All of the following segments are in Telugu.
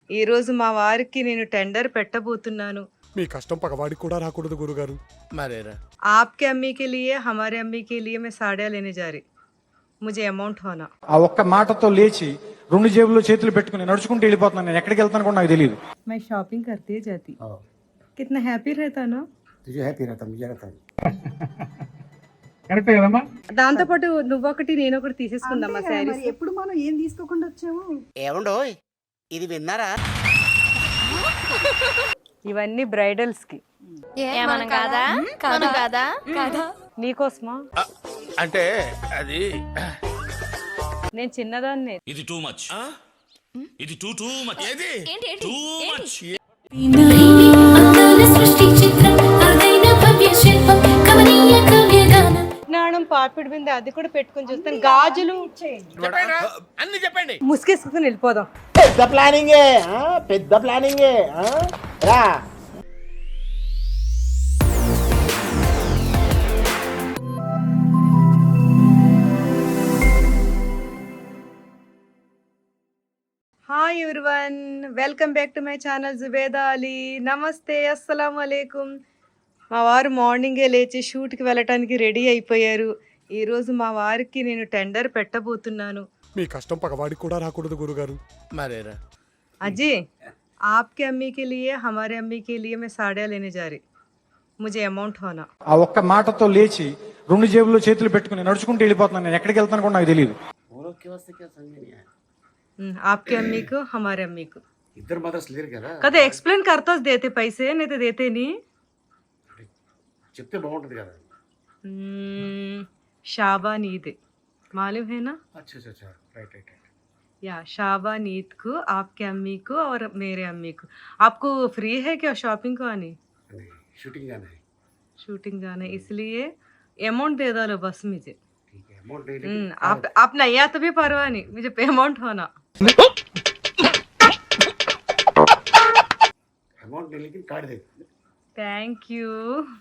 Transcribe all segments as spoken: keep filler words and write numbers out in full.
ఈ రోజు మా వారికి నేను టెండర్ పెట్టబోతున్నాను. మీ కష్టం పగవాడికి కూడా రాకూడదు గురుగారు. మరేరా आपके अम्मी के लिए हमारे अम्मी के लिए मैं साड़ियाँ लेने जा रही. मुझे अमाउंट होना. ఆ ఒక్క మాటతో లేచి రెండు జేబుల్లో చేతులు పెట్టుకుని నడుచుకుంటూ వెళ్ళిపోతున్నాను. నేను ఎక్కడికి వెళ్తాను కూడా నాకు తెలియదు. मैं शॉपिंग करती जाती. कितना हैप्पी रहता ना. तुझे हैप्पी रहता मुझे रहता కరెక్టే కదమ్మా. దాంతో పాటు నువ్వొకటి నేను ఒకటి తీసేసుకుందామా శారీస్. ఎప్పుడు మనం ఏం తీసుకోకుండా వచ్చాము. ఏమండోయ్ ఇది విన్నారా? ఇవన్నీ బ్రైడల్స్ కి. ఏమనం కాదా కాదు కాదా కాదా నీకోసమా? అంటే అది నేను చిన్నదాన్ని. ఇది టూ మచ్ ఇది టూ టూ మచ్ ఏది ఏంటి టూ మచ్ నాణం పాపిడి బిందె అది కూడా పెట్టుకొని చూస్తాను. గాజులు అన్ని చెప్పండి. ముసుగేసుకుని వెళ్ళిపోదాం. పెద్ద ప్లానింగే పెద్ద ప్లానింగే రా. Hi everyone, welcome back to my channel Zubeda Ali. నమస్తే, అస్సలం అలైకుం. మా వారు మార్నింగే లేచి షూట్కి వెళ్ళటానికి రెడీ అయిపోయారు. ఈరోజు మా వారికి నేను టెండర్ పెట్టబోతున్నాను. మీ కష్టం పగవాడికి కూడా రాకూడదు గురుగారు. మరేరా అజీ, आपके अम्मी के लिए हमारे अम्मी के लिए मैं साड़ियाँ लेने जा रही. मुझे अमाउंट होना. ఆ ఒక్క మాటతో లేచి రెండు జేబుల్లో చేతులు పెట్టుకుని నడుచుకుంటూ వెళ్ళిపోతున్నాను. నేను ఎక్కడికి వెళ్తాను కూడా నాకు తెలియదు. आपके अम्मी को हमारे अम्मी को ఇద్దరు మదర్స్ లేరు కదా, కదా एक्सप्लेन करता देते पैसे नहीं तो देते नहीं. చెప్తే బాగుంటది కదా. शाबान ईद मालूम है ना. अच्छा अच्छा अच्छा राइट राइट राइट. या शाबान ईद को आपके अम्मी को और मेरे अम्मी को. आपको फ्री है क्या शॉपिंग को आने? शूटिंग जाना है. शूटिंग जाना है इसलिए अमाउंट दे दो बस मुझे. ठीक है अमाउंट नहीं हम्म, लेकिन आप आप नहीं आया तो भी परवाह नहीं, मुझे पेमेंट होना. अमाउंट नहीं लेकिन कार्ड दे. Thank you.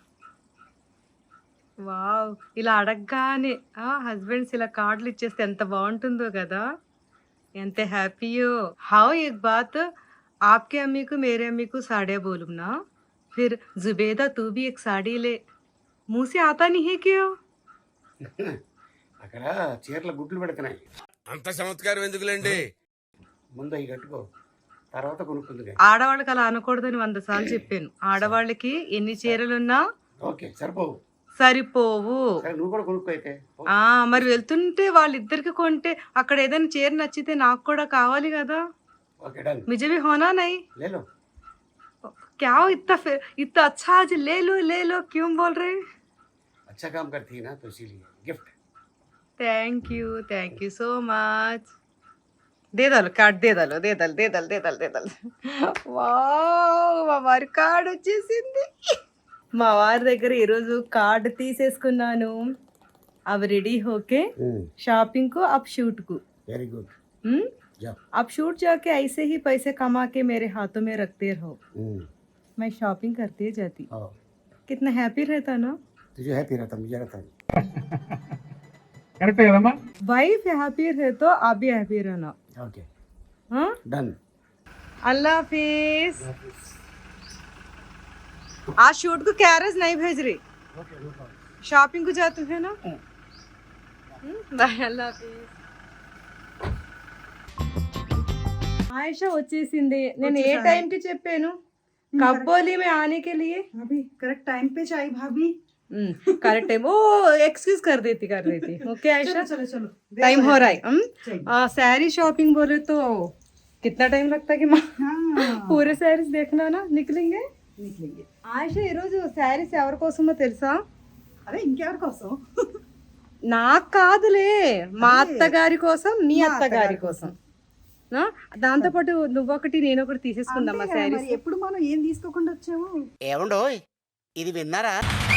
వావ్, ఇలా అడగగానే హస్బెండ్స్ ఇలా కార్డులు ఇచ్చేస్తే ఎంత బాగుంటుందో కదా, ఎంత హ్యాపీయో. హౌ एक बात, आपके अम्मी को मेरे अम्मी को साड़ियाँ बोलूँ ना, फिर जुबेदा तू भी एक साड़ी ले. मुंह से आता नहीं है क्यों? అక్కడ చీరల గుడ్లు పెడుతున్నాయి. అంత చమత్కారం ఎందుకులేండి. ముందు అవి కట్టుకో, తర్వాత కొనుక్కుంది. ఆడవాళ్ళకి అలా అనకూడదని వంద సార్లు చెప్పాను. ఆడవాళ్ళకి ఎన్ని చీరలున్నా ఓకే సరిపోవు, సరిపోవు. సరే నువ్వు కూడా కొనుక్కో అయితే. ఆ మరి వెళ్తుంటే వాళ్ళిద్దరికి కొంటే అక్కడ ఏదైనా చీర నచ్చితే నాకు కూడా కావాలి కదా. Okay done. मुझे भी होना नहीं. ले लो. क्या हो इतना फिर इतना अच्छा आज ले लो ले लो क्यों बोल रहे. अच्छा काम करती है ना तो इसीलिए gift. Thank you thank you so much. దే దలు కార్డ్ దే దలు దే దలు దే దలు దే దలు దే దలు. వావ్, మా వారి కార్డ్ వచ్చేసింది. మా వారి దగ్గర ఈరోజు కార్డ్ తీసేసుకున్నాను. అవి రెడీ హోకే షాపింగ్ को अब शूट को. Very good. हम्म, जा. अब शूट जाके ऐसे ही पैसे कमा के मेरे हाथों में रखते रहो. मैं शॉपिंग करते जाती. कितना हैप्पी रहता ना. तुझे हैप्पी रहता मुझे रहता. కరెక్టే కదమ్మా. वाइफ हैप्पी है तो आप भी हैप्पी रहना. ओके हाँ, डन. अल्लाह हाफिज. आज शूट को कैरेज नहीं भेज रही, शॉपिंग को जाते है ना. बाय, अल्लाह हाफिज. आयशा వచ్చేసింది. నేను ఏ టైం కి చెప్పాను కబ్బోలి में आने के लिए. भाभी करेक्ट टाइम पे चाहिए भाभी. Correct time. ओ एक्सक्यूज कर देती कर देती. ओके आयशा, चलो चलो टाइम हो रहा है. सारी शॉपिंग बोले तो कितना टाइम लगता है कि माँ पूरे శారీస్ देखना ना निकलेंगे నికలింగే. ఆయిషా ఈరోజు శారీస్ ఎవరి కోసమో తెలుసా? అదే ఇంకెవరి కోసం? నాకు కాదులే, మా అత్తగారి కోసం, మీ అత్తగారి కోసం. దాంతో పాటు నువ్వొకటి నేను ఒకటి తీసేసుకుందామా శారీస్. ఎప్పుడు మనం ఏం తీసుకోకుండా వచ్చాము. ఏమండోయ్ ఇది విన్నారా?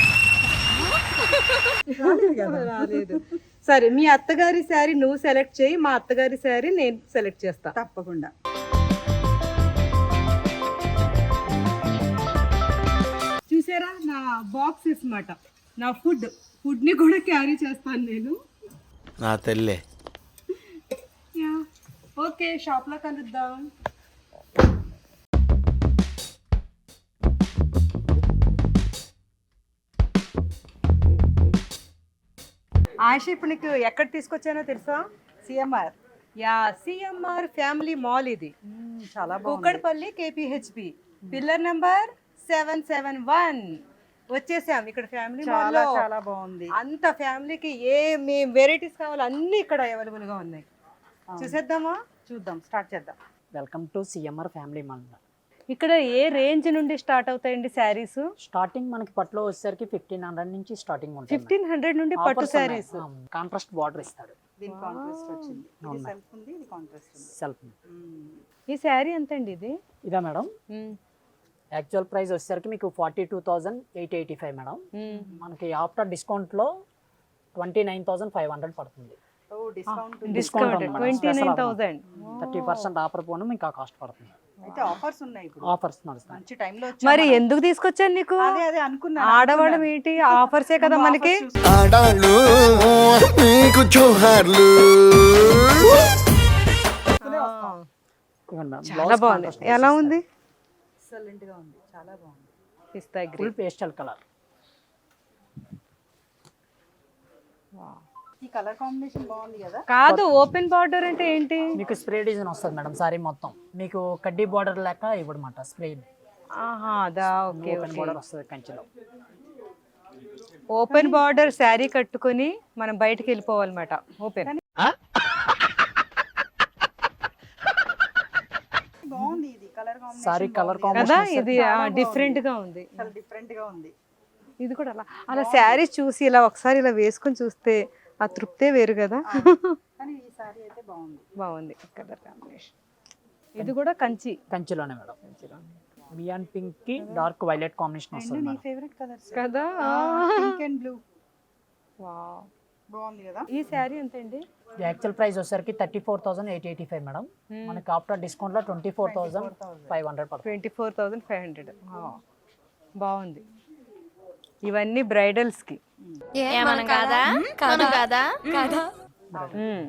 రాలేదు. సరే, మీ అత్తగారి శారీ నువ్వు సెలెక్ట్ చేయి, మా అత్తగారి శారీ నేను సెలెక్ట్ చేస్తా. తప్పకుండా. చూసారా నా బాక్సెస్ మాట, నా ఫుడ్ ఫుడ్ ని కూడా క్యారీ చేస్తాను నేను. నా తల్లే. ఓకే, షాప్ లో కలుద్దాం. ఆశ ఇప్పుడు నీకు ఎక్కడ తీసుకొచ్చానో తెలుసా? CMR yeah, CMR family mall ఇది, చాలా బాగుంది. Kukatpally KPHB, pillar number seven seven one. వచ్చేసాం ఇక్కడ ఫ్యామిలీ మాల్ చాలా లో. చాలా బాగుంది. అంత ఫ్యామిలీకి ఏ వెరైటీస్ కావాలో అన్ని ఇక్కడ అవైలబుల్ గా ఉన్నాయి. చూసేద్దామా? చూద్దాం, స్టార్ట్ చేద్దాం. Welcome to CMR family mall. ఇక్కడ ఏ రేంజ్ నుండి స్టార్ట్ అవుతాయండి శారీస్? స్టార్టింగ్ మనకి పట్టులో వచ్చేసరికి ఫిఫ్టీన్ హండ్రెడ్ నుంచి స్టార్టింగ్ ఉంటుంది. ఫిఫ్టీన్ హండ్రెడ్ నుండి పట్టు శారీస్. కాంట్రాస్ట్ బార్డర్ ఇస్తాడు. దీని కాంట్రాస్ట్ వచ్చింది. ఇది అవునా. సెల్ఫ్ ఉంది, ఇది కాంట్రాస్ట్ ఉంది. సెల్ఫ్ ఈ శారీ ఎంత అండి ఇది? ఇదా మేడం? యాక్చువల్ ప్రైస్ వచ్చేసరికి మీకు forty two thousand eight eighty five madam. మనకి ఆఫ్టర్ డిస్కౌంట్లో twenty nine thousand five hundred పడుతుంది. ఓ డిస్కౌంట్ ఉంది. Discount twenty nine thousand. Thirty percent offer పోను మీకు ఆ కాస్ట్ పడుతుంది. అయితే ఆఫర్స్ ఉన్నాయి ఇప్పుడు. ఆఫర్స్ నడుస్తాయి. మంచి టైంలో మరి ఎందుకు తీసుకొచ్చాను నీకు? అదే అదే అనుకున్నా. ఆడవాళ్ళం ఏంటి, ఆఫర్సే కదా మనకి. ఆడాళ్ళు నీకు జోహార్లు. ఇవ్వండి మేడం. చాలా బాగుంది. ఎలా ఉంది? ఎక్సలెంట్ గా ఉంది, చాలా బాగుంది. పిస్తా ఫుల్ గ్రీన్. Pastel colour. ఈ కలర్ కాంబినేషన్ బాగుంది కదా. కాదు, ఓపెన్ బార్డర్ అంటే ఏంటి? మీకు స్ప్రే డిజైన్ వస్తుంది మేడం సారీ మొత్తం. మీకు కడ్డీ బార్డర్ లెక్క ఇవ్వడమాట స్ప్రే. ఆహా, అదా, ఓకే ఓపెన్ ఓకే. బార్డర్ వస్తుంది కంచిలో. ఓపెన్ బార్డర్ శారీ కట్టుకొని మనం బయటికి వెళ్ళిపోవాలన్నమాట. ఓపెన్. బాగుంది ఇది కలర్ కాంబినేషన్. సారీ కలర్ కదా, కాంబినేషన్ ఇది డిఫరెంట్ గా ఉంది. చాలా డిఫరెంట్ గా ఉంది. ఇది కూడా అలా అలా శారీ చూసి ఇలా ఒకసారి ఇలా వేసుకొని చూస్తే ఆ తృప్తే వేరు కదా. కానీ ఈ సారీ అయితే బాగుంది. బాగుంది కలర్ కాంబినేషన్. ఇది కూడా కంచి. కంచిలోనే మేడం. మియాన్ పింక్ కి డార్క్ వైలెట్ కాంబినేషన్ వస్తుంది నీ మేడం. ఫేవరెట్ కలర్స్ కదా. Pink and blue. వావ్, బాగుంది కదా. ఈ శారీ ఎంత అండి? యాక్చువల్ ప్రైస్ వచ్చేసరికి thirty four thousand eight eighty five madam. మనకి ఆఫ్టర్ డిస్కౌంట్ లో twenty four thousand five hundred పడుతుంది. Twenty four thousand five hundred. బాగుంది. ఇవన్నీ బ్రైడల్స్ కి. ఏమనం కాదా కాదు కాదా కాదా మ్మ్.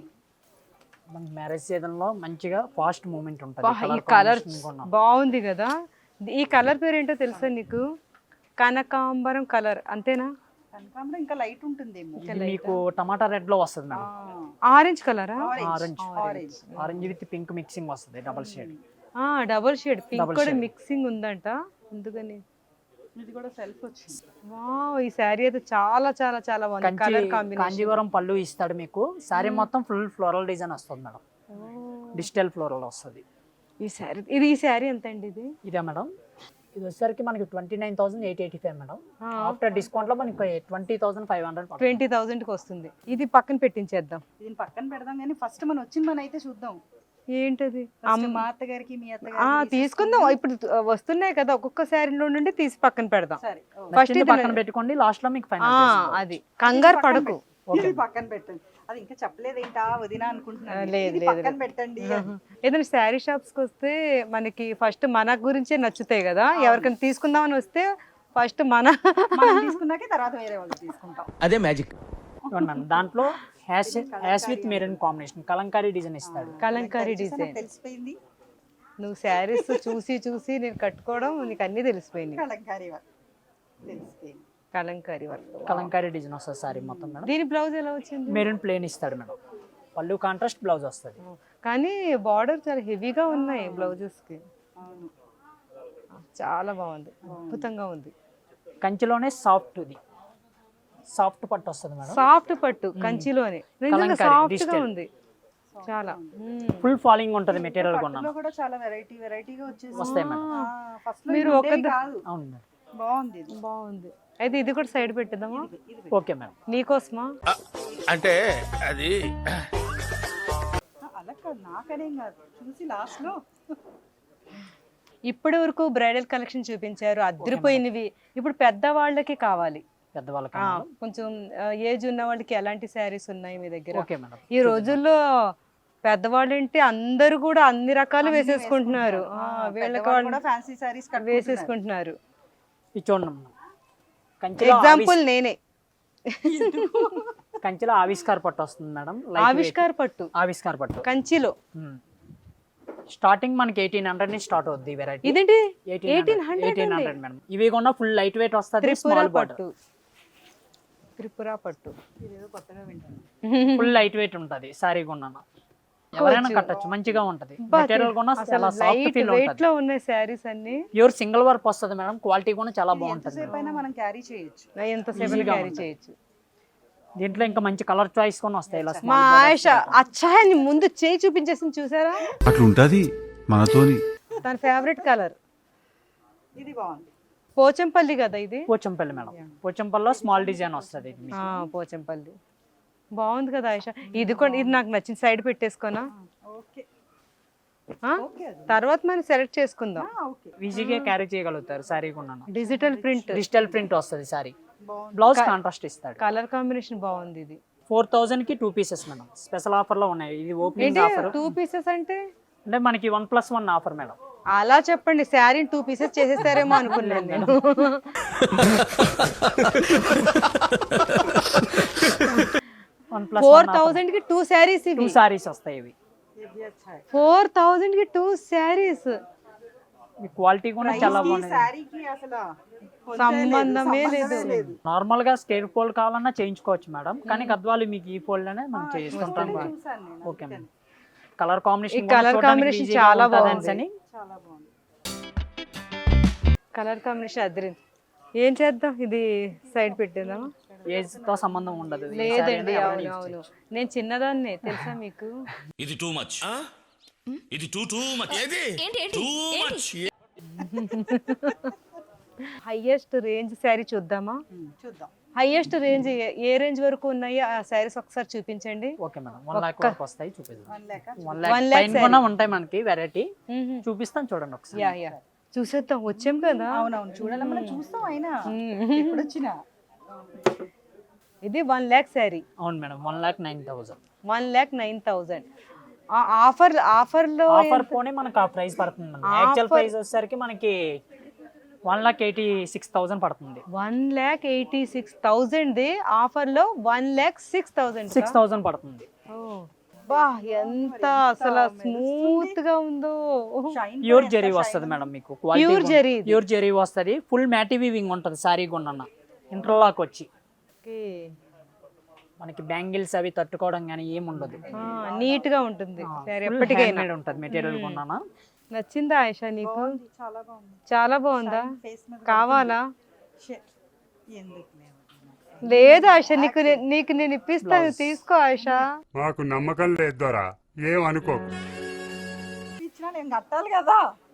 మనకి మ్యారేజ్ సీజన్ లో మంచిగా ఫాస్ట్ మూమెంట్ ఉంటుంది. బా, ఈ కలర్ బాగుంది కదా. ఈ కలర్ పేరు ఏంటో తెలుసా నీకు? కనకాంబరం కలర్, అంతేనా? కనకాంబరం ఇంకా లైట్ ఉంటుందేమో. ఇది మీకు టమాటా రెడ్ లో వస్తుంది మేడం. ఆరెంజ్ కలరా? Orange orange with pink mixing వస్తుంది double shade. Double shade pink Double కూడా shade. మిక్సింగ్ ఉందంట, అందుకని. ఇది కూడా సెల్ఫ్ వచ్చింది. వావ్, ఈ శారీ అయితే చాలా చాలా చాలా బాగుంది. Colour combination. కాంజీవరం పళ్ళు ఇస్తాడు మీకు. సారీ మొత్తం ఫుల్ ఫ్లోరల్ డిజైన్ వస్తుంది మేడం. డిజిటల్ ఫ్లోరల్ వస్తుంది. ఈ శారీ ఇది ఈ శారీ ఎంత అండి ఇది? ఇదే మేడం. ఇది వచ్చేసరికి మనకి twenty nine thousand eight eighty five madam. After discount లో మనకి twenty thousand five hundred twenty thousand కి వస్తుంది. ఇది పక్కన పెట్టించేద్దాం. దీని పక్కన పెడదాం కానీ ఫస్ట్ మనం వచ్చిన మన అయితే చూద్దాం. ఏంటది? First మా అత్తగారికి మీ ఆ, అత్తగారికి తీసుకుందాం. ఇప్పుడు వస్తున్నాయి కదా, ఒక్కొక్క శారీలో నుండి తీసి పక్కన పెడదాం. సరే ఫస్ట్ ఇది పక్కన పెట్టుకోండి. లాస్ట్ లో మీకు ఆ, ఫైనల్. అది కంగారు పడకు. ఇది పక్కన పెట్టండి. అది ఇంకా చెప్పలేదేంటా వదినా అనుకుంటున్నాను. లేదు, ఇది లేదు, పక్కన లేదు. పెట్టండి. ఏదైనా శారీ షాప్స్ కి వస్తే మనకి ఫస్ట్ మన గురించే నచ్చుతాయి కదా. ఎవరికైనా తీసుకుందామని వస్తే ఫస్ట్ మన మనం తీసుకున్నాకే తర్వాత వేరే వాళ్ళు తీసుకుంటాం. అదే మ్యాజిక్. మేడం దాంట్లో ash ash with maroon combination Kalamkari design ఇస్తాడు. కలంకారీ చూసారా, డిజైన్. తెలిసిపోయింది. నువ్వు శారీస్ చూసి చూసి నేను కట్టుకోవడం నీకు అన్ని తెలిసిపోయింది. కలంకారీ వర్క్ తెలిసిపోయింది. కలంకారీ వర్క్. కలంకారీ డిజైన్ వస్తుంది సారీ మొత్తం మేడం. దీని బ్లౌజ్ ఎలా వచ్చింది? మెరూన్ ప్లేన్ ఇస్తాడు మేడం. పళ్ళు కాంట్రాస్ట్ బ్లౌజ్ వస్తుంది. కానీ బార్డర్ చాలా హెవీగా ఉన్నాయి బ్లౌజెస్ కి. అవును, చాలా బాగుంది, అద్భుతంగా ఉంది. కంచిలోనే సాఫ్ట్ ఇది సాఫ్ట్ పట్టు వస్తుంది మేడం. సాఫ్ట్ పట్టు కంచిలోనే నిజంగా కలంకారీ, సాఫ్ట్ గా digital. ఉంది చాలా. మ్మ్. ఫుల్ ఫాలింగ్ ఉంటుంది మెటీరియల్ పట్టులో కొన్నాను. కూడా చాలా వెరైటీ వెరైటీగా వచ్చేసి వస్తాయి మేడం. ఫస్ట్ మీరు మీరు ఒక ద- కాదు. అవును మేడం. బాగుంది ఇది. బాగుంది. అయితే ఇది కూడా సైడ్ పెట్టేద్దామా? ఇది ఓకే మేడం. నీకోసమా? అంటే అది ఆ, అలా కాదు, నాకనేం కాదు, చూసి లాస్ట్ లో ఇప్పటి వరకు బ్రైడల్ కలెక్షన్ చూపించారు, అదిరిపోయినవి. ఇప్పుడు పెద్దవాళ్ళకి కావాలి. పెద్దవాళ్ళకి ఆ, కొంచెం ఏజ్ ఉన్న వాళ్ళకి ఎలాంటి శారీస్ ఉన్నాయి మీ దగ్గర? Okay madam. ఈ రోజుల్లో పెద్దవాళ్ళు అంటే అందరూ కూడా అన్ని రకాలు వేసేసుకుంటున్నారు. ఆ, వీళ్ళకి పెద్దవాళ్ళు వాళ్ళు కూడా ఫ్యాన్సీ సారీస్ వేసేసుకుంటున్నారు. ఇది చూడండి మేడం. కంచిలో ఎగ్జాంపుల్ నేనే. ఆవిష్- కంచిలో ఆవిష్కార్ పట్టు వస్తుంది మేడం. Light weight. ఆవిష్కార్ పట్టు ఆవిష్కార్ పట్టు కంచిలో. స్టార్టింగ్ మనకి ఎయిటీన్ హండ్రెడ్ నుంచి స్టార్ట్ అవుద్ది వెరైటీ. ఇదేంటి? Eighteen hundred madam. ఇవి కూడా ఫుల్ లైట్ వెయిట్ వస్తుంది. Tripura small border. పట్టు. త్రిపుర పట్టు. ఇదేదో కొత్తగా వింటాను. ఫుల్ లైట్ వెయిట్ ఉంటుంది సారీ కొన్నాను, ఎవరైనా కట్టచ్చు, మంచిగా ఉంటది. మెటీరియల్ కూడా చాలా సాఫ్ట్ లైట్ ఫీల్ వెయిట్ ఉంటుంది. లో ఉన్నాయి శారీస్ అన్ని. ప్యూర్ సింగిల్ వర్క్ వస్తుంది మేడం, క్వాలిటీ కూడా చాలా బాగుంటుంది. ఎంతసేపు అయినా మనం క్యారీ చేయొచ్చు. ఎంతసేపు Easy గా క్యారీ ఉంటుంది. చేయొచ్చు. దీంట్లో ఇంకా మంచి కలర్ చాయిస్ కూడా వస్తాయి. ఇలా మా small borders ఆయుష అచ్చాయని ముందు చేయి చూపించేసింది చూసారా? అట్లుంటది మనతోని. తన ఫేవరెట్ కలర్ ఇది బాగుంది. పోచంపల్లి కదా ఇది? పోచంపల్లి మేడం, పోచంపల్లిలో స్మాల్ డిజైన్ వస్తుంది ఇది మీకు. ఆ, పోచంపల్లి బాగుంది కదా ఆయుష. ఇది కూడా ఇది నాకు నచ్చిన సైడ్ పెట్టేసుకోనా? ఓకే ఆ? తర్వాత మనం సెలెక్ట్ చేసుకుందాం. ఓకే. ఈజీగా క్యారీ చేయగలుగుతారు సారీ కొన్నాను. డిజిటల్ ప్రింట్, డిజిటల్ ప్రింట్ వస్తుంది సారీ, బ్లౌజ్ కాంట్రాస్ట్ ఇస్తాడు. కలర్ కాంబినేషన్ బాగుంది. ఇది ఫోర్ థౌజండ్ కి two pieces madam, special offer లో ఉన్నాయి. ఇది ఓపెనింగ్ ఆఫర్ టూ పీసెస్ అంటే అంటే మనకి one plus one offer madam. అలా చెప్పండి, శారీ టూ పీసెస్ చేసేస్తారేమో అనుకున్నాను నేను. వన్ ప్లస్ ఫోర్ థౌజండ్ కి టూ శారీస్ టూ ఇవి. సారీస్ వస్తాయి ఇవి. ఫోర్ థౌజండ్ కి టూ శారీస్. మీ క్వాలిటీ కూడా చాలా బాగుంది. శారీకి అసలు సంబంధమే లేదు. నార్మల్ గా స్కేర్ ఫోల్డ్ కావాలన్నా చేయించుకోవచ్చు మేడం, కానీ గద్వాలు మీకు ఈ ఫోల్డ్ అనే మనం చేస్తుంటాం. Okay madam. Colour combination colour combination చాలా బాగుంది. అని చాలా బాగుంది. కలర్ కాంబినేషన్ అదిరింది. ఏం చేద్దాం, ఇది సైడ్ పెట్టేద్దామా? ఏజ్ తో సంబంధం ఉండదు. ఈ లేదండి, saree అనేది అవును ఎవరైనా use అవును. చేయొచ్చు. నేను చిన్నదాన్నే తెలుసా మీకు? ఇది టూ మచ్ ఇది టూ టూ మచ్ ఏది ఏంటి ఏంటి too much. Highest range sari చూద్దామా? చూద్దాం. హైయెస్ట్ రేంజ్ ఏ రేంజ్ వరకు ఉన్నాయో ఆ శారీస్ ఒకసారి చూపించండి. ఓకే మేడం, వన్ లాక్ వరకు వస్తాయి, చూపిస్తాం. వన్ లేక వన్ One లాక్ lakh పైన కూడా ఉంటాయి మనకి వెరైటీ, చూపిస్తాం చూడండి ఒకసారి. యా యా చూసేద్దాం, వచ్చాం కదా. అవునవును చూడాలి, మనం చూస్తాం. అయినా ఎప్పుడు వచ్చినా ఇది వన్ ల్యాక్ శారీ, అవును madam, one lakh nine thousand one lakh nine thousand. Offer offer లో ఆఫర్ పోనీ మనకు ఆ ప్రైస్ పడుతుంది మేడం. యాక్చువల్ ప్రైస్ వచ్చేసరికి మనకి one lakh eighty six thousand పడుతుంది. One lakh eighty six thousand offer లో one lakh six thousand six thousand పడుతుంది. బా ఎంత అసలు స్మూత్ గా ఉందో. ప్యూర్ జెరీ వస్తుంది మేడం మీకు, Pure జరీ ఇది. ప్యూర్ జెరీ వస్తుంది. ఫుల్ మ్యాటీ వీవింగ్ ఉంటుంది సారీ కొన్న ఇంటర్లాక్ వచ్చి. మనకి బ్యాంగిల్స్ అవి తట్టుకోవడం కానీ ఏమి ఉండదు, నీట్ గా ఉంటుంది సరే. Full ఎప్పటికైనా handmade ఉంటుంది మెటీరియల్ కొన్నానా. నచ్చిందా ఆయిషా నీకు? చాలా బాగుంది. చాలా బాగుందా? ఫేస్ మీద కావాలా? షే, ఎందుకు లేవు. లేదు ఆయిషా, నీకు నే- నీకు నేను ఇప్పిస్తాను, తీసుకో ఆయిషా. మాకు నమ్మకం లేదు దొరా, ఏం అనుకోకు. ఇచ్చినా నేను కట్టాలి కదా.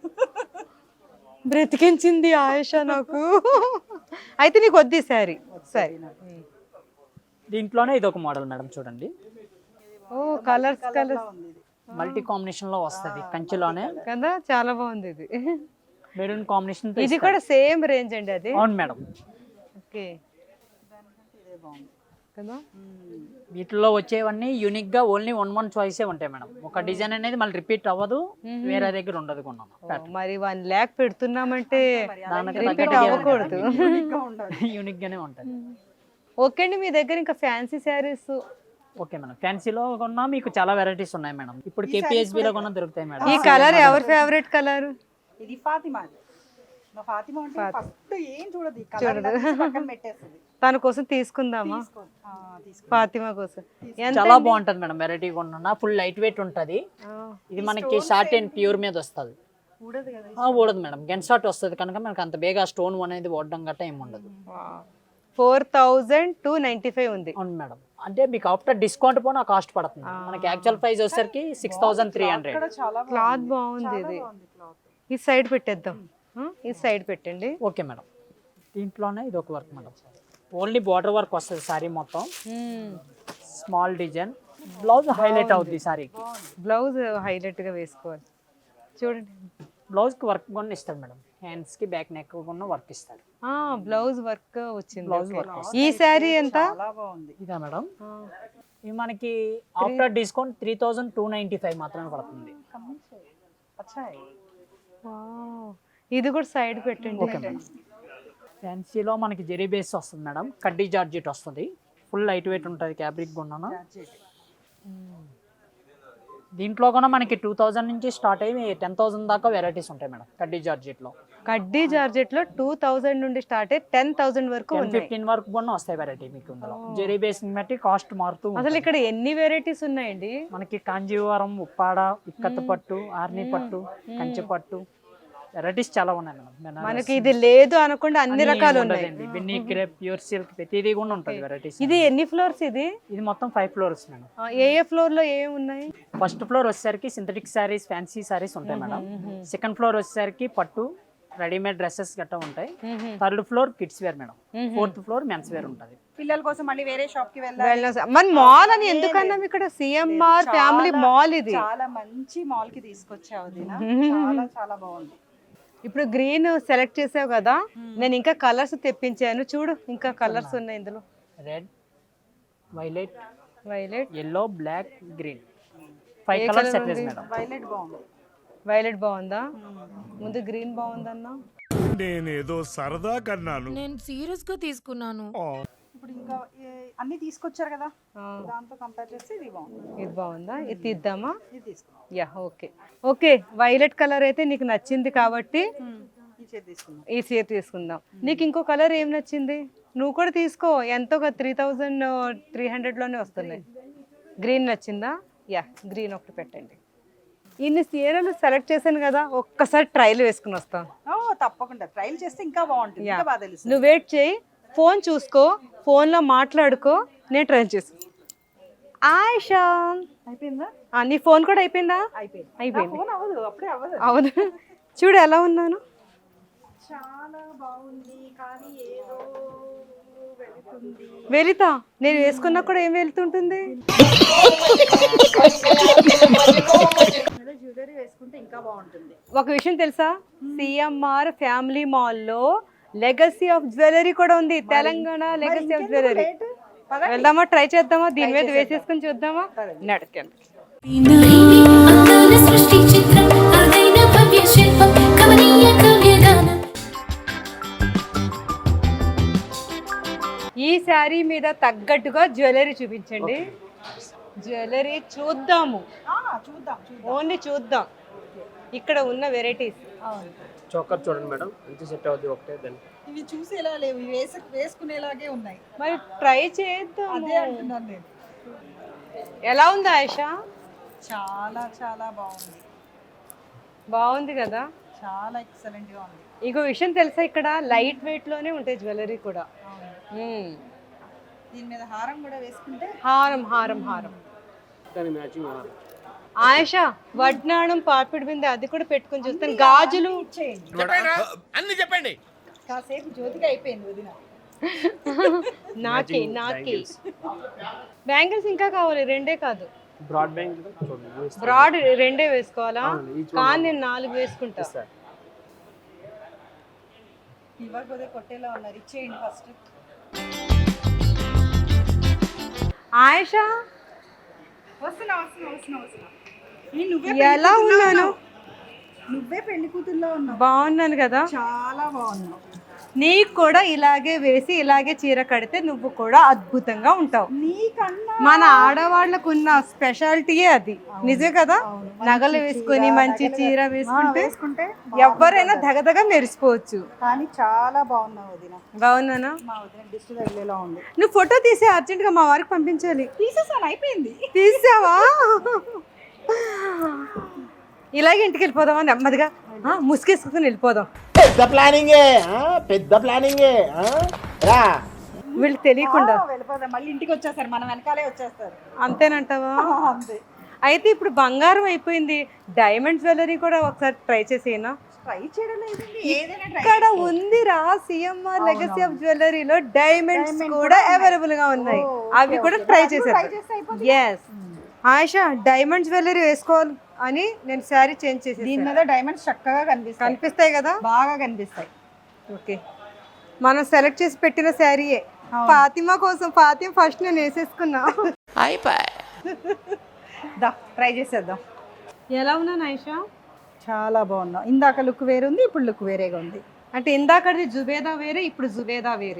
బ్రతికించింది ఆయిషా నాకు. అయితే నీకు వద్దు సారీ. సరే. దీంట్లోనే ఇది ఒక మోడల్ మేడం, చూడండి. ఓ కలర్స్ కలర్స్ ఉంది ఇది. మల్టీ కాంబినేషన్ లో వస్తుంది, కంచిలోనే కదా, చాలా బాగుంది ఇది. Maroon combination. ఇది కూడా సేమ్ రేంజ్ అండి అది? అవును మేడం. ఓకే ఇదే బాగుంది కదా. వీటిలో వచ్చేవన్నీ యూనిక్ గా ఓన్లీ వన్ వన్ చాయిసే ఉంటాయి మేడం. ఒక డిజైన్ అనేది మళ్ళీ రిపీట్ అవ్వదు, వేరే దగ్గర ఉండదు కొన్నాను. ఓ, మరి వన్ ల్యాక్ పెడుతున్నామంటే దానికి రిపీట్ తగ్గట్టుగా అవ్వకూడదు. ఇంకా ఉండాలి. యూనిక్ గానే ఉంటుంది. ఓకే అండి, మీ దగ్గర ఇంకా ఫ్యాన్సీ శారీస్? ఓకే మేడం, ఫ్యాన్సీలో కొన్నా మీకు చాలా వెరైటీస్ ఉన్నాయి మేడం. ఇప్పుడు కేపీఎస్బీ లో కొన్నా దొరుకుతాయి మేడం. ఈ కలర్ ఎవరి ఫేవరెట్ కలర్? ఇది ఫాతిమా. మా ఫాతిమా అంటే ఫస్ట్ ఏం చూడదు, ఈ కలర్ ఇలా తీసి పక్కన పెట్టేస్తుంది. తన కోసం తీసుకుందామా? తీసుకో. ఆ, తీసుకో. ఫాతిమా కోసం. ఎంత చాలా బాగుంటది మేడం, వెరైటీ కొన్నా. ఫుల్ లైట్ వెయిట్ ఉంటది. ఇది మనకి షార్ట్ అండ్ ప్యూర్ మీద వస్తుంది. ఊడదు కదా. ఆ, ఊడదు మేడం, గెన్ షార్ట్ వస్తుంది కనుక మనకి అంత బేగా స్టోన్ అనేది ఓడడం గట్ట ఏమి ఉండదు. Four thousand two ninety five ఉంది. అవును మేడం, అంటే మీకు ఆఫ్టర్ డిస్కౌంట్ పోనా కాస్ట్ పడుతుంది. మనకి యాక్చువల్ ప్రైస్ వచ్చేసరికి సిక్స్ థౌసండ్ త్రీ హండ్రెడ్. చాలా క్లాత్ బాగుంది ఇది. ఈ సైడ్ పెట్టేద్దాం, ఈ సైడ్ పెట్టండి. ఓకే మేడం, దీంట్లోనే ఇది ఒక work madam. Only border work వస్తుంది సారీ మొత్తం, స్మాల్ డిజైన్. బ్లౌజ్ హైలైట్ అవుద్ది సారీకి. బ్లౌజ్ హైలైట్ గా వేసుకోవాలి. చూడండి, బ్లౌజ్కి వర్క్ కూడా ఇస్తాడు మేడం, హ్యాండ్స్కి బ్యాక్ నెక్ కూడా వర్క్ ఇస్తాడు. బ్లౌజ్ వర్క్ వచ్చింది. Blouse Okay. వర్క్ ఈ శారీ ఎంత? చాలా బాగుంది. ఇదా మేడం, ఇది మనకి after discount three thousand two ninety five మాత్రమే పడుతుంది. అచ్చాయి. Wow. ఇది కూడా సైడ్ పెట్టండి. ఓకే మేడం, ఫ్యాన్సీలో మనకి జెరీ బేస్ వస్తుంది మేడం, కడ్డీ జార్జెట్ వస్తుంది. ఫుల్ లైట్ వెయిట్ ఉంటుంది, ఫ్యాబ్రిక్ కొన్నాను. దీంట్లో కూడా మనకి టూ థౌజండ్ నుంచి స్టార్ట్ అయ్యి టెన్ థౌసండ్ దాకా వెరైటీస్ ఉంటాయి మేడం కడ్డీ జార్జెట్లో. కడ్డీ జార్జెట్ లో టూ థౌజండ్ నుండి స్టార్ట్ అయ్యి టెన్ థౌసండ్ వరకు టెన్ ఉన్నాయి. ఫిఫ్టీన్ వరకు కూడా వస్తాయి వెరైటీ మీకు ఇందులో. జెరీ బేస్ని బట్టి కాస్ట్ మారుతూ అసలు ఉంటుంది. ఇక్కడ ఎన్ని వెరైటీస్ ఉన్నాయండి? మనకి కాంజీవరం, ఉప్పాడ, ఇక్కత్త పట్టు, ఆర్ని పట్టు, కంచి పట్టు వెరైటీస్ చాలా ఉన్నాయి మేడం. బెనారస్ మనకి ఇది లేదు అనకుండా అన్ని అన్నీ రకాలు ఉన్నాయి. ఉండదండి. బిన్నీ క్రేప్, ప్యూర్ సిల్క్ ప్రతిదీ కూడా ఉంటుంది వెరైటీస్. ఇది ఎన్ని ఫ్లోర్స్? ఇది ఇది మొత్తం ఫైవ్ ఫ్లోర్స్ మేడం. ఆ, ఏ ఏ ఫ్లోర్ లో ఏమి ఉన్నాయి? ఫస్ట్ ఫ్లోర్ వచ్చేసరికి సింథటిక్ శారీస్, ఫ్యాన్సీ శారీస్ ఉంటాయి మేడం. సెకండ్ ఫ్లోర్ వచ్చేసరికి పట్టు, రెడీమేడ్ డ్రెస్సెస్ గట్టా ఉంటాయి. Third floor kids wear madam. Fourth floor men's wear ఉంటుంది. పిల్లల కోసం మళ్ళీ వేరే షాప్ కి వెళ్ళాలి. వెళ్ళ- మన మాల్ అని ఎందుకన్నాం? ఇక్కడ సిఎంఆర్ ఫ్యామిలీ మాల్ ఇది. చాలా మంచి మాల్ కి తీసుకొచ్చావు దినా. చాలా చాలా బాగుంది. ఇప్పుడు గ్రీన్ సెలెక్ట్ చేసావు కదా, నేను ఇంకా కలర్స్ తెప్పించాను చూడు. ఇంకా కలర్స్ ఉన్నాయి ఇందులో. Red, violet, violet, yellow, black, green five colours set madam. Violet బాగుంది. వైలెట్ బాగుందా? ముందు గ్రీన్ బాగుందన్నా. నేనేదో సరదా కన్నాను. నేను సీరియస్ గా తీసుకున్నాను. ఇప్పుడు ఇంకా ఏ- అన్ని తీసుకొచ్చారు కదా, దాంతో కంపేర్ చేస్తే ఇది బాగుంది. ఇది బాగుందా? ఇది తీద్దామా? ఇది తీసుకున్నాం. Yeah, okay okay. Violet colour అయితే నీకు నచ్చింది కాబట్టి ఈ చేతి తీసుకున్నాం. ఈ చీర తీసుకుందాం. నీకు ఇంకో కలర్ ఏం నచ్చింది? నువ్వు కూడా తీసుకో. ఎంతో ఒక త్రీ థౌజండ్ త్రీ హండ్రెడ్లోనే వస్తున్నాయి. గ్రీన్ నచ్చిందా? యా, గ్రీన్ ఒకటి పెట్టండి. ఇన్ని చీరలు సెలెక్ట్ చేశాను కదా, ఒక్కసారి ట్రైల్ వేసుకుని వస్తాం. ఓ తప్పకుండా ట్రైల్ చేస్తే ఇంకా బాగుంటుంది. ఇంకా బాగా తెలుసు. నువ్వు వెయిట్ చేయి, ఫోన్ చూసుకో, ఫోన్లో మాట్లాడుకో, నేను ట్రైల్ చేసు. ఆయిషా అయిపోయిందా? ఆ, నీ ఫోన్ కూడా అయిపోయిందా? అయిపోయింది. అయిపోయింది. ఫోన్ అవ్వదు, అప్పుడే అవ్వదు. అవును, చూడు ఎలా ఉన్నాను. చాలా బాగుంది కానీ ఏదో వెళుతుంది. వెళితా నేను వేసుకున్నా కూడా ఏం వెళ్తుంటుంది? జ్యువెలరీ వేసుకుంటే ఇంకా బాగుంటుంది. ఒక విషయం తెలుసా, సిఎంఆర్ ఫ్యామిలీ మాల్లో లెగసీ ఆఫ్ జ్యువెలరీ కూడా ఉంది. Telangana legacy of jewellery. వెళ్దామా? ట్రై చేద్దామా? దీని మీద వేసేసుకుని చూద్దామా? నడకండి. ఈ శారీ మీద తగ్గట్టుగా జ్యువెలరీ చూపించండి. జ్యువెలరీ చూద్దాము, ఆ, చూద్దాం చూద్దాం. ఓన్లీ చూద్దాం. ఇక్కడ ఉన్న వెరైటీస్. చోకర్ చూడండి మేడం, ఎంత సెట్ అవుతుంది ఒకటే దాన్ని. ఇవి చూసి ఎలా లేవు, ఇవి వేసు వేసుకునేలాగే ఉన్నాయి. మరి ట్రై చేద్దాం. అదే అంటున్నాను నేను. ఎలా ఉంది ఆయిషా? చాలా చాలా బాగుంది. బాగుంది కదా? చాలా ఎక్సలెంట్ గా ఉంది. ఇంకో విషయం తెలుసా, ఇక్కడ లైట్ వెయిట్ లోనే ఉంటాయి జ్యువెలరీ కూడా. మ్మ్. దీని మీద హారం కూడా వేసుకుంటే హారం హారం హారం. ఆయిషా వడ్నాణం, పాపిడి బిందె అది కూడా పెట్టుకొని చూస్తాను. గాజులు అన్ని చెప్పండి. కాసేపు జ్యోతిగా అయిపోయింది వదిన. నాకే నాకే బ్యాంగిల్స్ ఇంకా కావాలి, రెండే కాదు. బ్రాడ్ బ్యాంగిల్ బ్రాడ్ రెండే వేసుకోవాలా? కానీ నేను నాలుగు వేసుకుంటా. ఇవ్వకపోతే కొట్టేలా ఉన్నారు, ఇచ్చేయండి ఫస్ట్. ఆయిషా వస్తున్నా వస్తున్నా వస్తున్నా వస్తున్నా. ఈ నువ్వే ఎలా ఉన్నాను? నువ్వే పెళ్లి కూతుర్లో ఉన్నావు. బాగున్నాను కదా? చాలా బాగున్నావు. నీకు కూడా ఇలాగే వేసి ఇలాగే చీర కడితే నువ్వు కూడా అద్భుతంగా ఉంటావు. నీకన్నా మన ఆడవాళ్ళకు ఉన్న స్పెషాలిటీయే అది. నిజమే కదా? నగలు వేసుకొని మంచి చీర వేసుకుంటే వేసుకుంటే ఎవరైనా దగదగ మెరిసిపోవచ్చు. కానీ చాలా బాగున్నావు వదిన. బాగున్నానా? మా వదిన దిష్టి తగిలేలా ఉంది. నువ్వు ఫోటో తీసి అర్జెంట్ గా మా వారికి పంపించాలి. తీసేసాను, అయిపోయింది. తీసావా? ఇలాగే ఇంటికి వెళ్ళిపోదామా నెమ్మదిగా? ఆ, ముసుగేసుకుని వెళ్ళిపోదాం. పెద్ద ప్లానింగే ఆ, పెద్ద ప్లానింగే ఆ, రా. వీళ్ళు తెలియకుండా. ఆ, వెళ్ళిపోదాం. మళ్ళీ ఇంటికి వచ్చేస్తారు, మన వెనకాలే వచ్చేస్తారు. అంతేనంటావా? అంతే. అయితే ఇప్పుడు బంగారం అయిపోయింది, డైమండ్ జ్యువెలరీ కూడా ఒకసారి ట్రై చేసేనా? ట్రై చేయడం లేదండి, ఏదైనా ట్రై ఇక్కడ ఉందిరా సిఎంఆర్ లెగసీ ఆఫ్ జ్యువెలరీలో డైమండ్స్ కూడా అవైలబుల్ గా ఉన్నాయి. అవి కూడా ట్రై చేశారు. ఎస్ ఆయిషా, డైమండ్ జ్యువెలరీ వేసుకోవాలి అని నేను శారీ చేంజ్ చేసి దీని మీద డైమండ్స్ చక్కగా కనిపిస్తాయి. కనిపిస్తాయి కదా? బాగా కనిపిస్తాయి. ఓకే, మనం సెలెక్ట్ చేసి పెట్టిన శారీయే. ఫాతిమా కోసం. ఫాతిమా ఫస్ట్ నేను వేసేసుకున్నా. దా ట్రై చేసేద్దాం. ఎలా ఉన్నాను ఆయిషా? చాలా బాగున్నావు. ఇందాక లుక్ వేరే ఉంది, ఇప్పుడు లుక్ వేరేగా ఉంది. అంటే ఇందాకది జుబేదా వేరే, ఇప్పుడు జుబేదా వేరే.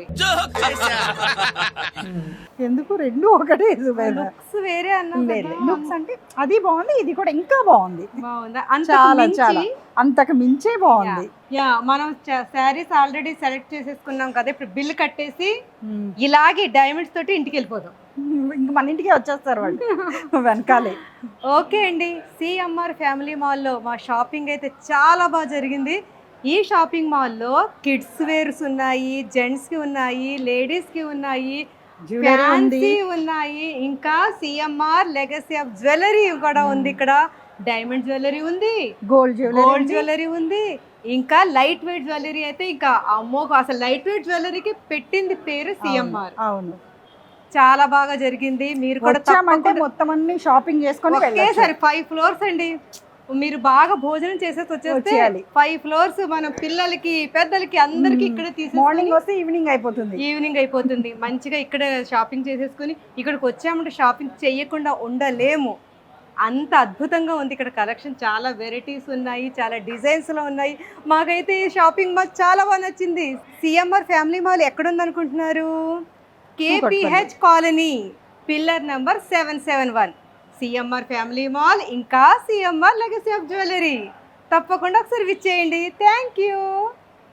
ఎందుకు రెండు ఒకటే జుబేదా. లుక్స్ వేరే అన్నా. లుక్స్ అంటే అది బాగుంది, ఇది కూడా ఇంకా బాగుంది. బాగుందా? చాలా అంత చాలా అంతకు మించే బాగుంది. యా, మనం శారీస్ ఆల్రెడీ సెలెక్ట్ చేసేసుకున్నాం కదా, ఇప్పుడు బిల్ కట్టేసి ఇలాగే డైమండ్స్ తోటి ఇంటికి వెళ్ళిపోదాం. ఇంక మన ఇంటికి వచ్చేస్తారు వాళ్ళు వెనకాలే. ఓకే అండి, సిఎంఆర్ ఫ్యామిలీ మాల్లో మా షాపింగ్ అయితే చాలా బాగా జరిగింది. ఈ షాపింగ్ మాల్లో కిడ్స్ వేర్స్ ఉన్నాయి, జెంట్స్కి ఉన్నాయి, లేడీస్కి ఉన్నాయి, ఫ్యాన్సీ ఉన్నాయి, ఇంకా సిఎంఆర్ లెగసీ ఆఫ్ జ్యువెలరీ కూడా ఉంది. ఇక్కడ డైమండ్ జ్యువెలరీ ఉంది, గోల్డ్ జ్యువెలరీ గోల్డ్ జ్యువెలరీ ఉంది, ఇంకా లైట్ వెయిట్ జ్యువెలరీ అయితే ఇంకా అమ్మో, అసలు లైట్ వెయిట్ జ్యువెలరీకి పెట్టింది పేరు సిఎంఆర్. అవును, చాలా బాగా జరిగింది. మీరు కూడా వచ్చామంటే మొత్తం అన్ని షాపింగ్ చేసుకొని ఒకేసారి ఫైవ్ ఫ్లోర్స్ అండి. మీరు బాగా భోజనం చేసేసి వచ్చేసేయాలి. ఫైవ్ ఫ్లోర్స్ మనం పిల్లలకి పెద్దలకి అందరికి ఇక్కడ తీసి మార్నింగ్ వస్తే ఈవినింగ్ అయిపోతుంది. ఈవినింగ్ అయిపోతుంది మంచిగా ఇక్కడ షాపింగ్ చేసేసుకుని ఇక్కడికి వచ్చామంటే షాపింగ్ చేయకుండా ఉండలేము. అంత అద్భుతంగా ఉంది ఇక్కడ కలెక్షన్. చాలా వెరైటీస్ ఉన్నాయి, చాలా డిజైన్స్లో ఉన్నాయి. మాకైతే ఈ షాపింగ్ మాల్ చాలా బాగా నచ్చింది. సిఎంఆర్ ఫ్యామిలీ మాల్ ఎక్కడుంది అనుకుంటున్నారు? KPH colony, pillar number seven seven one. CMR family mall, ఇంకా సిఎంఆర్ లెగసీ ఆఫ్ జ్యువెలరీ. తప్పకుండా ఒకసారి విచ్చేయండి. Thank you.